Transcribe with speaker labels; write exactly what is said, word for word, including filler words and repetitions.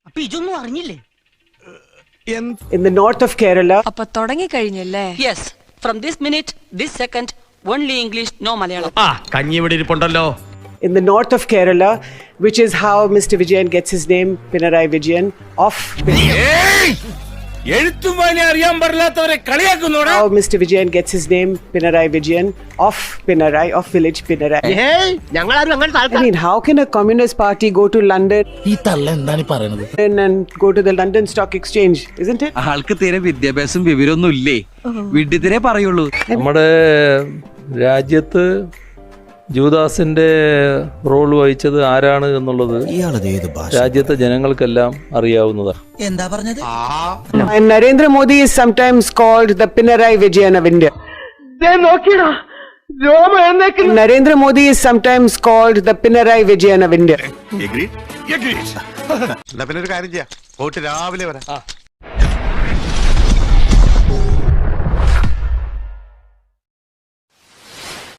Speaker 1: അപ്പൊ ഇതൊന്നും അറിഞ്ഞില്ലേ?
Speaker 2: In the north of Kerala.
Speaker 3: അപ്പൊ തുടങ്ങി കഴിഞ്ഞല്ലേ?
Speaker 1: Yes, from this minute, this second, only English, no Malayalam.
Speaker 4: ആ കഞ്ഞി ഇവിടെ ഇരിപ്പുണ്ടല്ലോ.
Speaker 2: In the north of Kerala, which is how Mister Vijayan gets his name, Pinarayi Vijayan, of how Mister Vijayan gets his name, Pinarayi Vijayan, of Pinarayi, of village Pinarayi. I mean, how can a communist party go to London and go to the London Stock Exchange, isn't it?
Speaker 5: ആൾക്ക് തീരെ വിദ്യാഭ്യാസം വിവരമൊന്നും ഇല്ലേ, വീട്ടിൽ പറയുള്ളൂ.
Speaker 6: നമ്മുടെ രാജ്യത്ത് ജൂദാസിന്റെ role വഹിച്ചത് ആരാണ് എന്നുള്ളത് രാജ്യത്തെ ജനങ്ങൾക്കെല്ലാം അറിയാവുന്നതാണ്.
Speaker 1: എന്താ പറഞ്ഞത്?
Speaker 2: And Narendra Modi is sometimes called the Pinarayi Vijayan of India. Narendra Modi is sometimes called the Pinarayi Vijayan of India.
Speaker 7: Agreed? Agreed. എന്നാ പിന്നെ ഒരു കാര്യം ചെയ്യാം, പോയിട്ട് രാവിലെ വരാം.